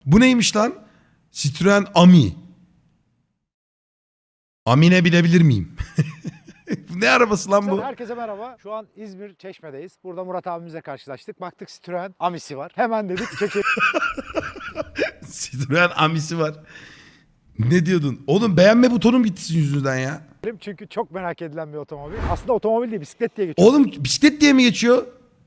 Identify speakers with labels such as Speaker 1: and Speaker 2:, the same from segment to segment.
Speaker 1: Bu neymiş lan? Citroen Ami. Amin'e binebilir miyim? Ne arabası lan bu?
Speaker 2: Herkese merhaba. Şu an İzmir Çeşme'deyiz. Burada Murat abimizle karşılaştık. Baktık Citroen Ami'si var. Hemen dedik çekelim.
Speaker 1: Citroen Ami'si var. Ne diyordun? Oğlum beğenme butonum gitti sizin yüzünden ya.
Speaker 2: Çünkü çok merak edilen bir otomobil. Aslında otomobil değil, bisiklet diye geçiyor.
Speaker 1: Oğlum bisiklet diye mi geçiyor?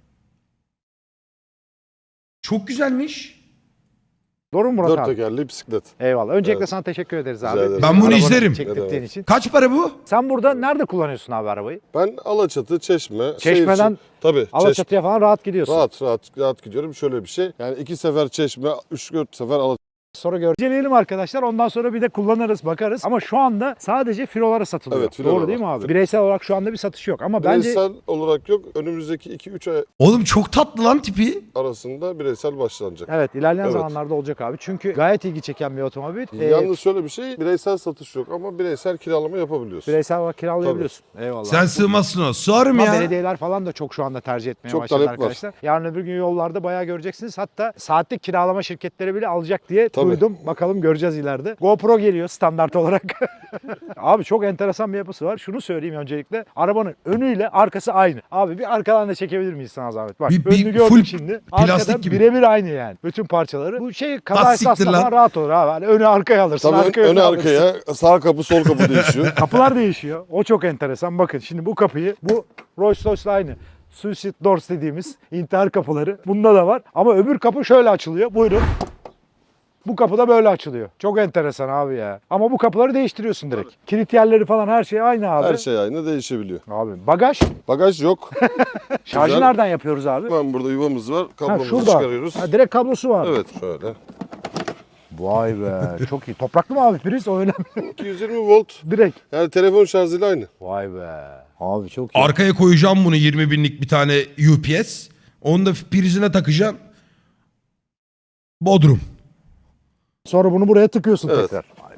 Speaker 1: Çok güzelmiş.
Speaker 2: Doğru mu Murat
Speaker 3: Dört
Speaker 2: abi?
Speaker 3: tekerli bisiklet.
Speaker 2: Eyvallah. Öncelikle
Speaker 3: Evet.
Speaker 2: sana teşekkür ederiz
Speaker 3: Rica
Speaker 2: abi.
Speaker 3: ederim.
Speaker 1: Ben bunu
Speaker 2: Arabanı
Speaker 1: izlerim.
Speaker 2: çektirdiğin için.
Speaker 1: Kaç para bu?
Speaker 2: Sen burada nerede kullanıyorsun abi arabayı?
Speaker 3: Ben Alaçatı, Çeşme.
Speaker 2: Çeşmeden
Speaker 3: tabii.
Speaker 2: Alaçatı'ya falan rahat gidiyorsun.
Speaker 3: Rahat gidiyorum. Şöyle bir şey. Yani 2 sefer Çeşme, 3-4 sefer Alaçatı.
Speaker 2: Sonra göreceğiz arkadaşlar. Ondan sonra bir de kullanırız, bakarız. Ama şu anda sadece filolara satılıyor.
Speaker 3: Evet, filolar
Speaker 2: Doğru değil mi
Speaker 3: var.
Speaker 2: abi? Bireysel olarak şu anda bir satış yok. Ama bence
Speaker 3: Bireysel olarak yok. Önümüzdeki 2-3 ay
Speaker 1: Oğlum çok tatlı lan tipi.
Speaker 3: arasında bireysel başlanacak.
Speaker 2: evet, ilerleyen
Speaker 3: Evet.
Speaker 2: zamanlarda olacak abi. Çünkü gayet ilgi çeken bir otomobil.
Speaker 3: Yalnız şöyle bir şey. Bireysel satış yok ama bireysel kiralama yapabiliyorsun.
Speaker 2: Bireysel olarak kiralayabiliyorsun. Eyvallah.
Speaker 1: Sen sığmazsın o. Sığarım
Speaker 2: Ama
Speaker 1: ya.
Speaker 2: belediyeler falan da çok şu anda tercih etmeye
Speaker 3: Çok
Speaker 2: başladı
Speaker 3: talep var.
Speaker 2: arkadaşlar. Yarın öbür gün yollarda bayağı göreceksiniz. Hatta saatlik kiralama şirketleri bile alacak diye
Speaker 3: Tabii.
Speaker 2: duydum. Bakalım göreceğiz ileride. GoPro geliyor standart olarak. Abi çok enteresan bir yapısı var. Şunu söyleyeyim öncelikle. Arabanın önüyle arkası aynı. Abi bir arkadan da çekebilir miyiz sana zahmet? Bak
Speaker 1: Bir
Speaker 2: önünü
Speaker 1: full
Speaker 2: gördük şimdi.
Speaker 1: plastik
Speaker 2: Arkada
Speaker 1: gibi.
Speaker 2: birebir aynı yani. Bütün parçaları. Bu şey kaza
Speaker 1: Lastiktir
Speaker 2: esasında
Speaker 1: lan.
Speaker 2: falan rahat olur abi. Hani önü arkaya alırsın.
Speaker 3: Tabii
Speaker 2: arkaya
Speaker 3: öne
Speaker 2: alırsın.
Speaker 3: arkaya sağ kapı sol kapı değişiyor.
Speaker 2: Kapılar değişiyor. O çok enteresan. Bakın şimdi bu kapıyı, bu Rolls Royce'la aynı. Suicide doors dediğimiz intihar kapıları. Bunda da var. Ama öbür kapı şöyle açılıyor. Buyurun. Bu kapı da böyle açılıyor. Çok enteresan abi ya. Ama bu kapıları değiştiriyorsun direkt. Kilit yerleri falan her şey aynı abi.
Speaker 3: Her şey aynı değişebiliyor.
Speaker 2: Abi bagaj.
Speaker 3: Bagaj yok.
Speaker 2: Şarjı
Speaker 3: Güzel.
Speaker 2: nereden yapıyoruz abi?
Speaker 3: Hemen burada yuvamız var.
Speaker 2: Ha,
Speaker 3: Kablomuzu
Speaker 2: şurada.
Speaker 3: çıkarıyoruz.
Speaker 2: Ha, direkt kablosu var.
Speaker 3: Evet şöyle.
Speaker 2: Vay be. Çok iyi. Topraklı mı abi priz? O önemli.
Speaker 3: 220 volt.
Speaker 2: Direkt.
Speaker 3: Yani telefon şarjıyla aynı.
Speaker 2: Vay be. Abi çok iyi.
Speaker 1: Arkaya koyacağım bunu 20 binlik bir tane UPS. Onu da prizine takacağım. Bodrum.
Speaker 2: Sonra bunu buraya tıkıyorsun
Speaker 3: Evet.
Speaker 2: tekrar. Vay be.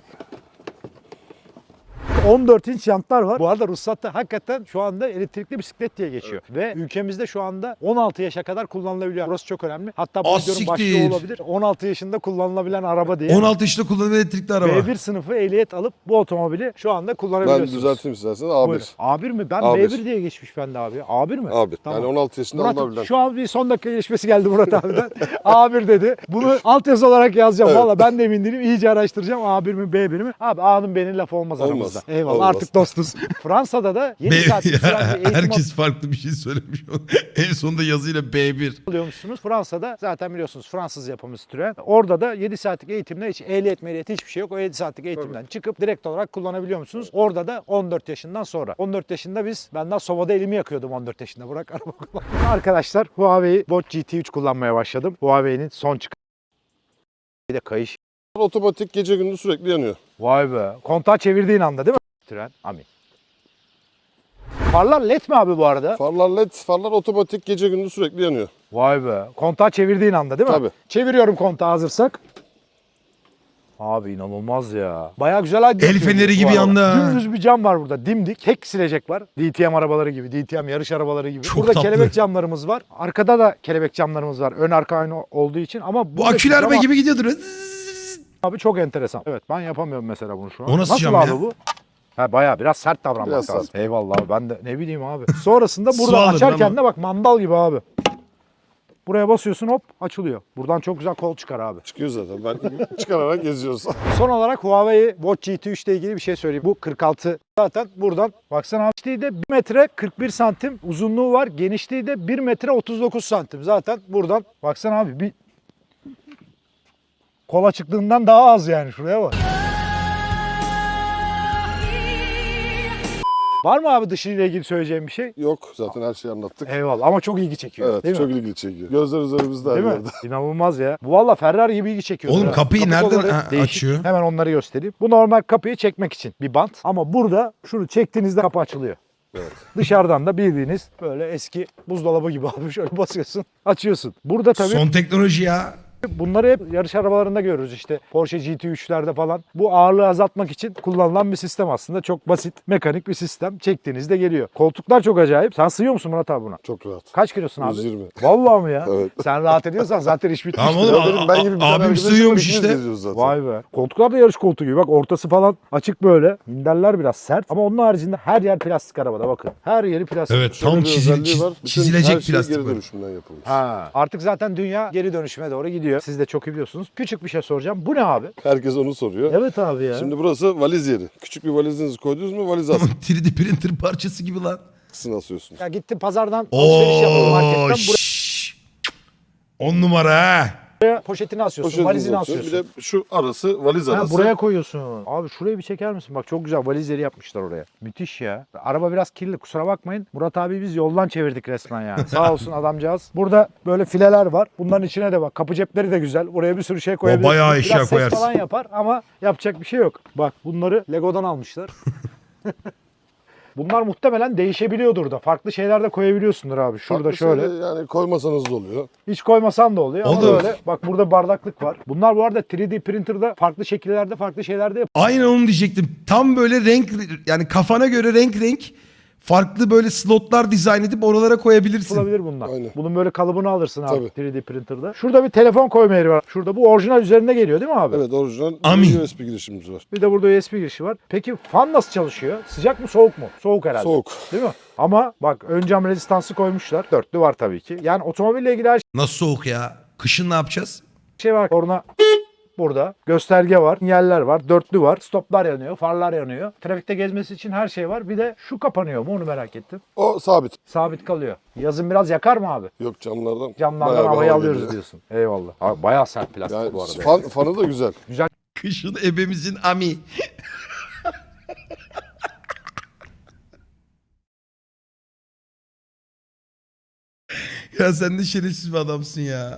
Speaker 2: 14 inç jantlar var. Bu arada ruhsatta hakikaten şu anda elektrikli bisiklet diye geçiyor. Ve ülkemizde şu anda 16 yaşa kadar kullanılabiliyor. Burası çok önemli. Hatta bu videonun
Speaker 1: siktir.
Speaker 2: başlığı olabilir. 16 yaşında kullanılabilen araba diye.
Speaker 1: 16 yaşında kullanılan elektrikli araba.
Speaker 2: B1 sınıfı ehliyet alıp bu otomobili şu anda
Speaker 3: Ben
Speaker 2: kullanabiliyorsunuz.
Speaker 3: düzelteyim isterseniz
Speaker 2: Buyurun.
Speaker 3: A1.
Speaker 2: A1 mi? Ben
Speaker 3: A1.
Speaker 2: B1 diye geçmiş bende abi. A1 mi?
Speaker 3: A1.
Speaker 2: Tamam.
Speaker 3: Yani 16 yaşında
Speaker 2: Murat,
Speaker 3: alınabilen.
Speaker 2: şu an bir son dakika gelişmesi geldi Murat abiden. A1 dedi. Bunu altyazı olarak yazacağım.
Speaker 3: Evet.
Speaker 2: Valla ben de emin değilim. İyice araştıracağım. A1 mi B1 mi? Abi A'nın B'nin lafı olmaz
Speaker 3: Olmaz.
Speaker 2: aramızda. Eyvallah
Speaker 3: Olmaz.
Speaker 2: artık dostuz. Fransa'da da 7 saat süren bir eğitim
Speaker 1: Herkes farklı bir şey söylemiş. En sonunda yazıyla B1.
Speaker 2: alıyormuşsunuz. Fransa'da zaten biliyorsunuz Fransız yapımı Citroen. Orada da 7 saatlik eğitimle hiç ehliyet hiçbir şey yok. O 7 saatlik eğitimden çıkıp direkt olarak kullanabiliyor musunuz? Orada da 14 yaşından sonra. 14 yaşında ben daha sobada elimi yakıyordum 14 yaşında. Bırak araba kullanmayı. Arkadaşlar Huawei Watch GT3 kullanmaya başladım. Huawei'nin son çıkan. Bir de kayış.
Speaker 3: Otomatik gece gündüz sürekli yanıyor.
Speaker 2: Vay be. Kontağı çevirdiğin anda değil mi? Citroen. Amin. Farlar led mi abi bu arada?
Speaker 3: Farlar led, farlar otomatik gece gündüz sürekli yanıyor.
Speaker 2: Vay be. Kontağı çevirdiğin anda değil mi?
Speaker 3: Tabii.
Speaker 2: Çeviriyorum kontağı hazırsak. Abi inanılmaz ya. Bayağı güzel aydınlatıyor.
Speaker 1: El feneri
Speaker 2: bu
Speaker 1: gibi
Speaker 2: araba.
Speaker 1: yandı ha.
Speaker 2: Dümdüz bir cam var burada. Dimdik. Tek silecek var. DTM arabaları gibi. DTM yarış arabaları gibi.
Speaker 1: Çok
Speaker 2: burada
Speaker 1: tatlı.
Speaker 2: kelebek camlarımız var. Arkada da kelebek camlarımız var. Ön arka aynı olduğu için. Ama
Speaker 1: Bu
Speaker 2: buradaki
Speaker 1: akülü araba
Speaker 2: cam
Speaker 1: gibi gidiyordur.
Speaker 2: abi çok enteresan. Evet ben yapamıyorum mesela bunu şu an.
Speaker 1: O nasıl cam
Speaker 2: abi
Speaker 1: ya?
Speaker 2: bu? Ha bayağı biraz sert davranmak
Speaker 3: Biraz
Speaker 2: lazım.
Speaker 3: sert.
Speaker 2: Eyvallah abi. Ben de ne bileyim abi. Sonrasında
Speaker 1: Su
Speaker 2: buradan
Speaker 1: alır
Speaker 2: açarken
Speaker 1: lan
Speaker 2: de bak mandal gibi abi. Buraya basıyorsun hop açılıyor. Buradan çok güzel kol çıkar abi.
Speaker 3: Çıkıyor zaten. Ben çıkararak geziyoruz.
Speaker 2: Son olarak Huawei Watch GT3 ile ilgili bir şey söyleyeyim. Bu 46 zaten buradan baksana abi. Genişliği de 1 metre 41 santim uzunluğu var. Genişliği de 1 metre 39 santim. Zaten buradan baksana abi bir kola çıktığından daha az yani şuraya bak. Var mı abi dışıyla ilgili söyleyeceğim bir şey?
Speaker 3: Yok zaten her şeyi anlattık.
Speaker 2: Eyvallah ama çok ilgi çekiyor.
Speaker 3: Evet
Speaker 2: değil
Speaker 3: çok
Speaker 2: mi?
Speaker 3: ilgi çekiyor. Gözler üzerimizde her
Speaker 2: Değil mi?
Speaker 3: yerde.
Speaker 2: İnanılmaz ya. Bu valla Ferrari gibi ilgi çekiyor.
Speaker 1: Oğlum
Speaker 2: ya.
Speaker 1: kapıyı
Speaker 2: Kapı
Speaker 1: nereden
Speaker 2: kolları değişik.
Speaker 1: açıyor?
Speaker 2: Hemen onları göstereyim. Bu normal kapıyı çekmek için bir bant. Ama burada şunu çektiğinizde kapı açılıyor.
Speaker 3: Evet.
Speaker 2: Dışarıdan da bildiğiniz böyle eski buzdolabı gibi abi şöyle basıyorsun, açıyorsun. Burada tabii
Speaker 1: Son teknoloji ya.
Speaker 2: Bunları hep yarış arabalarında görürüz işte. Porsche GT3'lerde falan. Bu ağırlığı azaltmak için kullanılan bir sistem aslında. Çok basit, mekanik bir sistem. Çektiğinizde geliyor. Koltuklar çok acayip. Sen sığıyor musun Murat abi buna?
Speaker 3: Çok rahat.
Speaker 2: Kaç kilosun abi?
Speaker 3: 120.
Speaker 2: Vallahi mi ya?
Speaker 3: Evet.
Speaker 2: Sen rahat ediyorsan zaten iş bitmiştir.
Speaker 1: Tamam oğlum,
Speaker 3: Ya benim ben gibi bir tane
Speaker 1: abim
Speaker 3: arkadaşım
Speaker 1: sığıyormuş
Speaker 3: var, ikimiz
Speaker 1: işte.
Speaker 3: geziyoruz zaten.
Speaker 2: Vay be. Koltuklar da yarış koltuğu gibi. Bak ortası falan açık böyle. Minderler biraz sert. Ama onun haricinde her yer plastik arabada bakın. Her yeri plastik.
Speaker 1: Evet,
Speaker 3: Şöyle
Speaker 1: tam
Speaker 3: bir özelliği var. Bütün
Speaker 1: çizilecek
Speaker 3: her şey
Speaker 1: plastik
Speaker 3: geri
Speaker 1: var.
Speaker 3: dönüşümden yapılmış.
Speaker 2: Ha. Artık zaten dünya geri dönüşüme doğru gidiyor. Siz de çok iyi biliyorsunuz. Küçük bir şey soracağım. Bu ne abi?
Speaker 3: Herkes onu soruyor.
Speaker 2: Evet abi ya.
Speaker 3: Şimdi burası valiz yeri. Küçük bir valizinizi koydunuz mu valiz
Speaker 1: Tamam,
Speaker 3: askısını
Speaker 1: 3D printer parçası gibi lan.
Speaker 3: asıyorsunuz.
Speaker 2: Ya gittim pazardan alışveriş yaptım marketten.
Speaker 1: Oo, 10 numara ha.
Speaker 2: Buraya poşetini asıyorsun,
Speaker 3: Poşetinizi
Speaker 2: valizini
Speaker 3: atıyorsun.
Speaker 2: asıyorsun.
Speaker 3: Bir de şu arası valiz
Speaker 2: Ha,
Speaker 3: arası.
Speaker 2: buraya koyuyorsun. Abi şurayı bir çeker misin? Bak çok güzel valizleri yapmışlar oraya. Müthiş ya. Araba biraz kirli kusura bakmayın. Murat abi biz yoldan çevirdik resmen yani. Sağ olsun adamcağız. Burada böyle fileler var. Bunların içine de bak kapı cepleri de güzel. Buraya bir sürü şey koyabilirsin.
Speaker 1: bayağı eşya
Speaker 2: biraz
Speaker 1: koyarsın.
Speaker 2: ses falan yapar ama yapacak bir şey yok. Bak bunları Lego'dan almışlar. Bunlar muhtemelen değişebiliyordur da. Farklı şeyler de koyabiliyorsundur abi. Şurada
Speaker 3: Farklı
Speaker 2: şöyle.
Speaker 3: şeyleri Yani koymasanız da oluyor.
Speaker 2: Hiç koymasan da oluyor ama
Speaker 1: Olur.
Speaker 2: böyle. Bak burada bardaklık var. Bunlar bu arada 3D printer'da farklı şekillerde farklı şeylerde
Speaker 1: Aynen onu diyecektim. Tam böyle renk, yani kafana göre renk farklı böyle slotlar dizayn edip oralara koyabilirsin.
Speaker 2: yapılabilir bunlar.
Speaker 3: Aynen.
Speaker 2: Bunun böyle kalıbını alırsın abi
Speaker 3: Tabii.
Speaker 2: 3D printer'da. Şurada bir telefon koyma yeri var. Şurada bu orijinal üzerinde geliyor değil mi abi?
Speaker 3: Evet orijinal
Speaker 1: Ami.
Speaker 3: bir USB girişimiz var.
Speaker 2: Bir de burada USB girişi var. Peki fan nasıl çalışıyor? Sıcak mı soğuk mu? Soğuk herhalde.
Speaker 3: Soğuk.
Speaker 2: Değil mi? Ama bak ön cam rezistansı koymuşlar. Dörtlü var tabii ki. Yani otomobille ilgili her
Speaker 1: Nasıl soğuk ya? Kışın ne yapacağız?
Speaker 2: şey var. Korna burada. Gösterge var. Sinyaller var. Dörtlü var. Stoplar yanıyor. Farlar yanıyor. Trafikte gezmesi için her şey var. Bir de şu kapanıyor mu onu merak ettim.
Speaker 3: O sabit.
Speaker 2: Sabit kalıyor. Yazın biraz yakar mı abi?
Speaker 3: Yok camlardan.
Speaker 2: Camlardan
Speaker 3: bayağı bir
Speaker 2: havayı
Speaker 3: hava
Speaker 2: alıyoruz
Speaker 3: geliyor.
Speaker 2: diyorsun. Eyvallah. Abi bayağı sert plastik
Speaker 3: Yani
Speaker 2: bu arada.
Speaker 3: fanı da güzel.
Speaker 1: Kışın ebemizin ami. Ya sen de şerefsiz bir adamsın ya.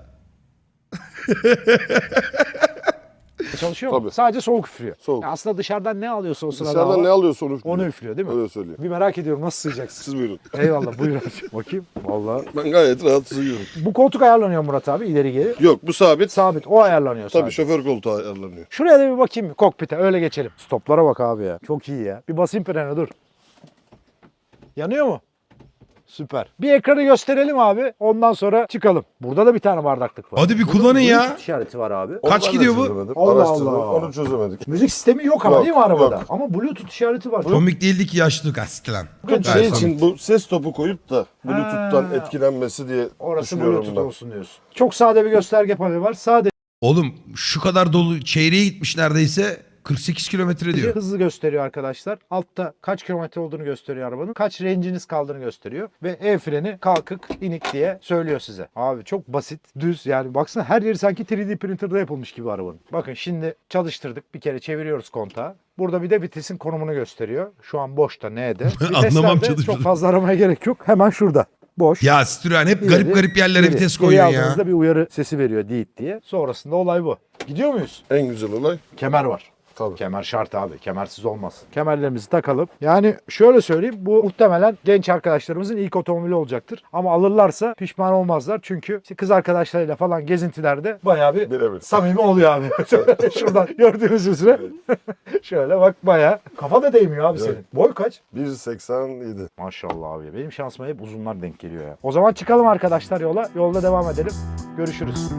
Speaker 2: Çalışıyor mu?
Speaker 3: Tabii.
Speaker 2: Sadece soğuk üflüyor.
Speaker 3: Soğuk.
Speaker 2: Ya aslında dışarıdan ne alıyorsa o sırada
Speaker 3: Dışarıdan
Speaker 2: hava,
Speaker 3: ne alıyorsa onu üflüyor.
Speaker 2: onu üflüyor değil mi?
Speaker 3: Öyle söyleyeyim.
Speaker 2: Bir merak ediyorum nasıl sığacaksın?
Speaker 3: Siz buyurun.
Speaker 2: Eyvallah buyur abi. Bakayım. Vallahi.
Speaker 3: Ben gayet rahat sığıyorum.
Speaker 2: Bu koltuk ayarlanıyor Murat abi ileri geri.
Speaker 3: Yok bu sabit.
Speaker 2: Sabit o ayarlanıyor
Speaker 3: Tabii
Speaker 2: sadece.
Speaker 3: şoför koltuğu ayarlanıyor.
Speaker 2: Şuraya da bir bakayım kokpite öyle geçelim. Stoplara bak abi ya. Çok iyi ya. Bir basayım frene dur. Yanıyor mu? Süper. Bir ekranı gösterelim abi. Ondan sonra çıkalım. Burada da bir tane bardaklık var.
Speaker 1: Hadi bir
Speaker 2: Burada
Speaker 1: kullanın ya.
Speaker 2: Bluetooth işareti var abi.
Speaker 3: Onu
Speaker 1: Kaç
Speaker 3: ben de
Speaker 1: gidiyor bu?
Speaker 3: çözemedim.
Speaker 2: Allah
Speaker 3: Araştırdım,
Speaker 2: Allah.
Speaker 3: Onu çözemedik.
Speaker 2: Müzik sistemi yok ama
Speaker 3: Yok,
Speaker 2: değil mi arabada?
Speaker 3: yok.
Speaker 2: Ama Bluetooth işareti var.
Speaker 1: Komik değildi ki yaşlılık asist lan.
Speaker 3: Şey
Speaker 1: Gayet
Speaker 3: için bu ses topu koyup da Bluetooth'tan
Speaker 2: Ha.
Speaker 3: etkilenmesi diye
Speaker 2: Orası
Speaker 3: düşünüyorum
Speaker 2: Bluetooth
Speaker 3: ben.
Speaker 2: olsun diyorsun. Çok sade bir gösterge paneli var. Sade
Speaker 1: Oğlum şu kadar dolu çeyreğe gitmiş neredeyse 48 kilometre diyor.
Speaker 2: hızlı gösteriyor arkadaşlar. Altta kaç kilometre olduğunu gösteriyor arabanın. Kaç range'iniz kaldığını gösteriyor. Ve el freni kalkık, inik diye söylüyor size. Abi çok basit, düz yani baksana her yeri sanki 3D printer'da yapılmış gibi arabanın. Bakın şimdi çalıştırdık. Bir kere çeviriyoruz kontağı. Burada bir de vitesin konumunu gösteriyor. Şu an boşta N'de.
Speaker 1: Anlamam
Speaker 2: Viteslerde
Speaker 1: çalıştırdım.
Speaker 2: çok fazla aramaya gerek yok. Hemen şurada. Boş.
Speaker 1: Ya Citroen hep
Speaker 2: İleri,
Speaker 1: garip garip yerlere
Speaker 2: geri.
Speaker 1: vites
Speaker 2: Geri
Speaker 1: koyuyor ya.
Speaker 2: aldığınızda bir uyarı sesi veriyor diit diye. Sonrasında olay bu. Gidiyor muyuz?
Speaker 3: En güzel olay
Speaker 2: Kemer var.
Speaker 3: tabii.
Speaker 2: Kemer şart abi. Kemersiz olmaz. Kemerlerimizi takalım. Yani şöyle söyleyeyim. Bu muhtemelen genç arkadaşlarımızın ilk otomobili olacaktır. Ama alırlarsa pişman olmazlar. Çünkü işte kız arkadaşlarıyla falan gezintilerde bayağı bir
Speaker 3: Birebir.
Speaker 2: samimi oluyor abi. Şuradan gördüğünüz üzere. Şöyle bak bayağı. Kafa da değmiyor abi senin. Boy kaç?
Speaker 3: 1.87.
Speaker 2: Maşallah abi. Benim şansıma hep uzunlar denk geliyor ya. O zaman çıkalım arkadaşlar yola. Yolda devam edelim. Görüşürüz.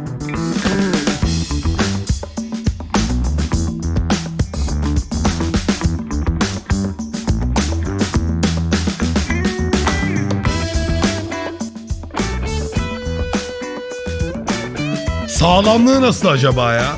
Speaker 1: Sağlamlığı nasıl acaba ya?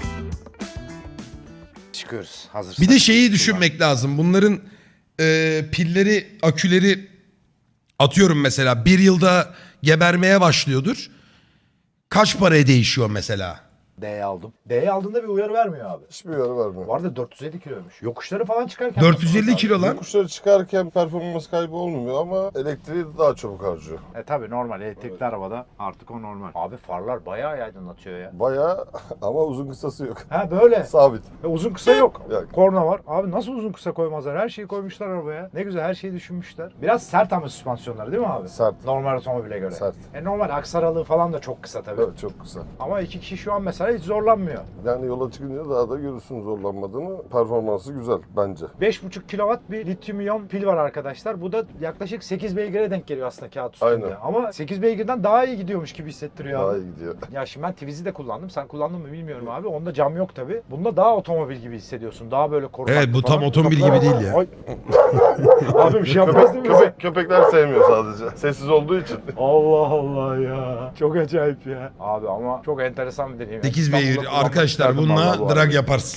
Speaker 2: Çıkıyoruz. Hazır.
Speaker 1: Bir de şeyi düşünmek lazım. Bunların pilleri, aküleri atıyorum mesela bir yılda gebermeye başlıyordur. Kaç paraya değişiyor mesela?
Speaker 2: D'ye aldım. D'ye aldığında bir uyarı vermiyor abi.
Speaker 3: Hiçbir uyarı vermiyor.
Speaker 2: Bu arada 450 kiloymuş. Yokuşları falan çıkarken...
Speaker 1: 450 kilo lan.
Speaker 3: Yokuşları çıkarken performans kaybı olmuyor ama elektriği daha çabuk harcıyor.
Speaker 2: Tabii normal elektrikli arabada artık o normal. Abi farlar bayağı aydınlatıyor ya.
Speaker 3: Bayağı ama uzun kısası yok.
Speaker 2: Ha böyle.
Speaker 3: Sabit.
Speaker 2: Uzun kısa yok.
Speaker 3: Yok.
Speaker 2: Korna var. Abi nasıl uzun kısa koymazlar? Her şeyi koymuşlar arabaya. Ne güzel her şeyi düşünmüşler. Biraz sert ama süspansiyonları değil mi abi?
Speaker 3: Sert.
Speaker 2: Normal otomobile göre.
Speaker 3: Sert.
Speaker 2: Normal aksaralığı falan da çok kısa tabii.
Speaker 3: Evet, çok kısa.
Speaker 2: Ama iki kişi şu an mesela hiç zorlanmıyor.
Speaker 3: Yani yola çıkınca daha da görürsün zorlanmadığını. Performansı güzel bence.
Speaker 2: 5,5 kW bir lityum iyon pil var arkadaşlar. Bu da yaklaşık 8 beygire denk geliyor aslında kağıt üstünde.
Speaker 3: Aynen.
Speaker 2: Ama 8 beygirden daha iyi gidiyormuş gibi hissettiriyor
Speaker 3: Daha
Speaker 2: abi.
Speaker 3: iyi gidiyor.
Speaker 2: Ya şimdi ben Twizy de kullandım. Sen kullandın mı bilmiyorum abi. Onda cam yok tabii. Bunda daha otomobil gibi hissediyorsun. Daha böyle korkaklı
Speaker 1: Evet, bu tam
Speaker 2: falan.
Speaker 1: otomobil gibi değil ya.
Speaker 2: Ay. Abi bir şey yapmaz değil mi?
Speaker 3: Köpekler sevmiyor sadece. Sessiz olduğu için.
Speaker 2: Allah Allah ya. Çok acayip ya. Abi ama çok enteresan bir deneyim.
Speaker 1: 8
Speaker 2: İstanbul'da
Speaker 1: beygir
Speaker 2: kullanmak
Speaker 1: arkadaşlar,
Speaker 2: isterdim vallahi bu
Speaker 1: bununla
Speaker 2: arada.
Speaker 1: drag yaparsın.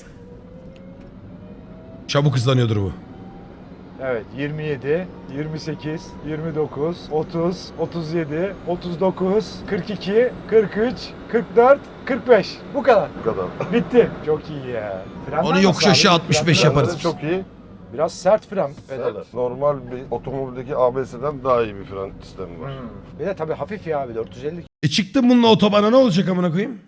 Speaker 1: Çabuk hızlanıyordur bu.
Speaker 2: Evet 27, 28, 29, 30, 37, 39, 42, 43, 44, 45. Bu kadar.
Speaker 3: Bu kadar.
Speaker 2: Bitti. Çok iyi ya. Frenler
Speaker 1: Onu
Speaker 2: nasıl
Speaker 1: yokuş
Speaker 2: abi?
Speaker 1: aşağı 65
Speaker 2: Frenler
Speaker 1: yaparız.
Speaker 3: Frenleri çok iyi.
Speaker 2: Biraz sert fren pedalı.
Speaker 3: Normal bir otomobildeki ABS'den daha iyi bir fren sistemi var.
Speaker 2: Bir de tabii hafif ya abi 450
Speaker 1: Çıktım bununla otobana, ne olacak amına koyayım?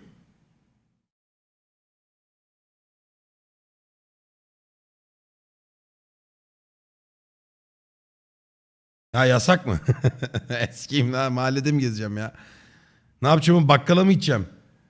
Speaker 1: Ya yasak mı? Eskiyim lan, mahallede mi gezeceğim ya? Ne yapacağım, bakkala mı gideceğim?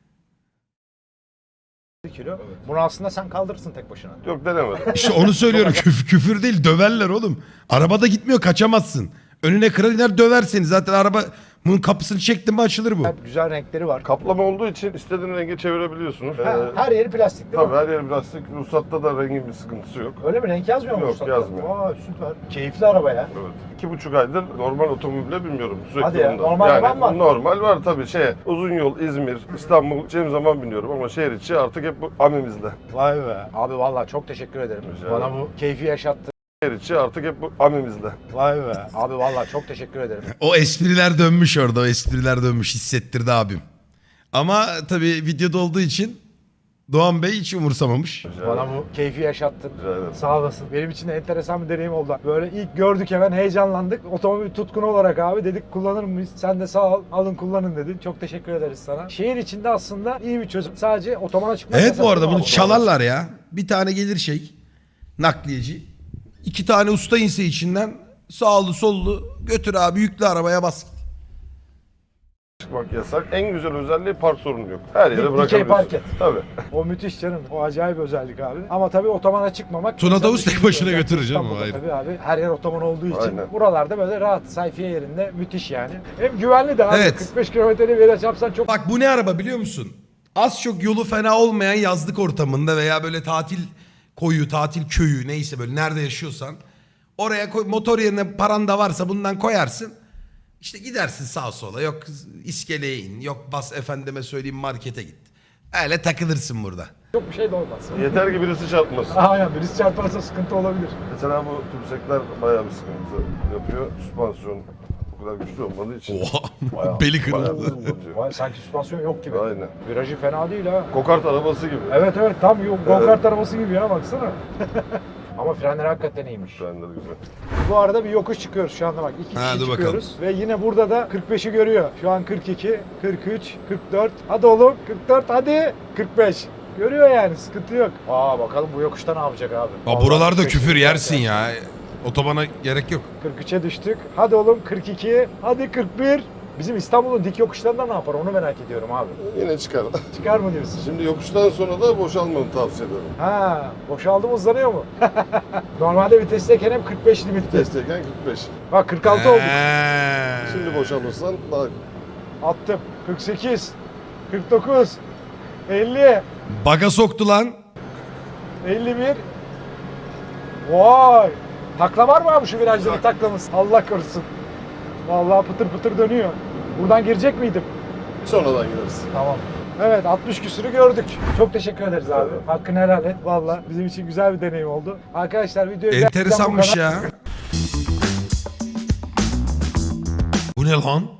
Speaker 2: kilo. Bunu aslında sen kaldırırsın tek başına.
Speaker 3: Yok denemedim.
Speaker 1: İşte onu söylüyorum, küfür değil, döverler oğlum. Arabada gitmiyor, kaçamazsın. Önüne kırar iner döver seni. Zaten araba bunun kapısını çektin mi açılır bu.
Speaker 2: Güzel renkleri var.
Speaker 3: Kaplama olduğu için istediğin renge çevirebiliyorsunuz.
Speaker 2: Her yeri plastik değil mi?
Speaker 3: Tabii her yer plastik. Ruhsatta da rengin bir sıkıntısı yok.
Speaker 2: Öyle mi? Renk yazmıyor mu?
Speaker 3: Yok,
Speaker 2: ruhsatta?
Speaker 3: yazmıyor.
Speaker 2: Aa süper. Keyifli araba ya.
Speaker 3: Evet. 2,5 aydır normal otomobile binmiyorum. Sürekli
Speaker 2: Hadi ya,
Speaker 3: bunda.
Speaker 2: normal araban var.
Speaker 3: Normal var tabii. Uzun yol İzmir, İstanbul gideceğim zaman biniyorum ama şehir içi artık hep bu amimizde.
Speaker 2: Vay be. Abi vallahi çok teşekkür ederim.
Speaker 3: Rica
Speaker 2: Bana
Speaker 3: ederim.
Speaker 2: bu keyfi yaşattı.
Speaker 3: Şehir içi artık hep bu amimizde.
Speaker 2: Vay be. Abi vallahi çok teşekkür ederim.
Speaker 1: O espriler dönmüş orada, o espriler dönmüş, hissettirdi abim. Ama tabii videoda olduğu için Doğan Bey hiç umursamamış.
Speaker 2: Bana bu keyfi yaşattın.
Speaker 3: Rica ederim.
Speaker 2: Sağ olasın. Benim için de enteresan bir deneyim oldu. Böyle ilk gördük hemen heyecanlandık. Otomobil tutkunu olarak abi dedik kullanır mıyız? Sen de sağ ol, alın kullanın dedin. Çok teşekkür ederiz sana. Şehir içinde aslında iyi bir çözüm. Sadece otobana çıkmak
Speaker 1: Evet,
Speaker 2: yasak
Speaker 1: bu arada
Speaker 2: değil mi
Speaker 1: bunu
Speaker 2: abi?
Speaker 1: çalarlar ya. Bir tane gelir nakliyeci. 2 tane usta inse içinden, sağlı sollu götür abi, yüklü arabaya bas.
Speaker 3: Çıkmak yasak. En güzel özelliği park sorunu yok. Her yere
Speaker 2: Dikey
Speaker 3: bırakabiliyorsun.
Speaker 2: park et.
Speaker 3: Tabii.
Speaker 2: O müthiş canım. O acayip özellik abi. Ama tabii otobana çıkmamak...
Speaker 1: Tuna
Speaker 2: insan
Speaker 1: Tavus tek
Speaker 2: düşünüyor.
Speaker 1: başına götürür canım,
Speaker 2: İstanbul'da
Speaker 1: ayrı.
Speaker 2: Tabii abi her yer otoban olduğu için
Speaker 3: Aynen.
Speaker 2: buralarda böyle rahat sayfiye yerinde müthiş yani. Hem güvenli de abi.
Speaker 1: Evet.
Speaker 2: 45 kilometrelik bir yere çarpsan çok...
Speaker 1: Bak bu ne araba biliyor musun? Az çok yolu fena olmayan yazlık ortamında veya böyle tatil koyu, tatil köyü neyse, böyle nerede yaşıyorsan oraya koy, motor yerine paran da varsa bundan koyarsın. İşte gidersin sağa sola, yok iskeleye in, yok bas efendime söyleyeyim markete git. Öyle takılırsın burada.
Speaker 2: Çok bir şey de olmaz.
Speaker 3: Yeter ki birisi çarpmasın.
Speaker 2: Aynen birisi çarparsa sıkıntı olabilir.
Speaker 3: Mesela bu tümsekler bayağı bir sıkıntı yapıyor. Süspansiyon o kadar güçlü olmadığı için.
Speaker 1: Oha,
Speaker 3: Bayağı-
Speaker 1: beli
Speaker 3: bayağı
Speaker 1: kırıldı.
Speaker 3: hızlı batıyor.
Speaker 2: Vay, sanki süspansiyon yok gibi.
Speaker 3: Aynen.
Speaker 2: Virajı fena değil ha.
Speaker 3: Kokart arabası gibi.
Speaker 2: Evet tam go-kart arabası gibi ya baksana. Ama frenleri hakikaten iyiymiş.
Speaker 3: Frenleri güzel.
Speaker 2: Bu arada bir yokuş çıkıyoruz şu anda bak. İki
Speaker 1: Ha,
Speaker 2: kişi
Speaker 1: dur
Speaker 2: çıkıyoruz. Ve yine burada da 45'i görüyor. Şu an 42, 43, 44. Hadi oğlum 44 hadi 45. Görüyor yani sıkıntı yok. Aa bakalım bu yokuşta ne yapacak abi.
Speaker 1: Aa, buralarda
Speaker 2: 45
Speaker 1: küfür
Speaker 2: güzel
Speaker 1: yersin ya. Otobana gerek yok.
Speaker 2: 43'e düştük. Hadi oğlum 42. Hadi 41. Bizim İstanbul'un dik yokuşlarında ne yapar onu merak ediyorum abi.
Speaker 3: Yine çıkar.
Speaker 2: Çıkar mı diyorsun?
Speaker 3: Şimdi yokuştan sonra da boşalmanı tavsiye ederim.
Speaker 2: Ha, boşaldı mı hızlanıyor mu? Normalde vitesteyken hep 45 limitli.
Speaker 3: Testeyken 45.
Speaker 2: Bak 46 olduk.
Speaker 3: Şimdi boşalırsan daha
Speaker 2: Attım. 48, 49, 50,
Speaker 1: Baga soktu lan.
Speaker 2: 51. Vay! Takla var mı abi şu virajda bir taklamız? Allah korusun. Vallahi pıtır pıtır dönüyor. Buradan girecek miydim?
Speaker 3: sonradan gideriz.
Speaker 2: Tamam. Evet 60 küsürü gördük. Çok teşekkür ederiz abi. Hakkını helal et. Vallahi bizim için güzel bir deneyim oldu. Arkadaşlar videoyu
Speaker 1: Enteresanmış ya. Bu ne lan?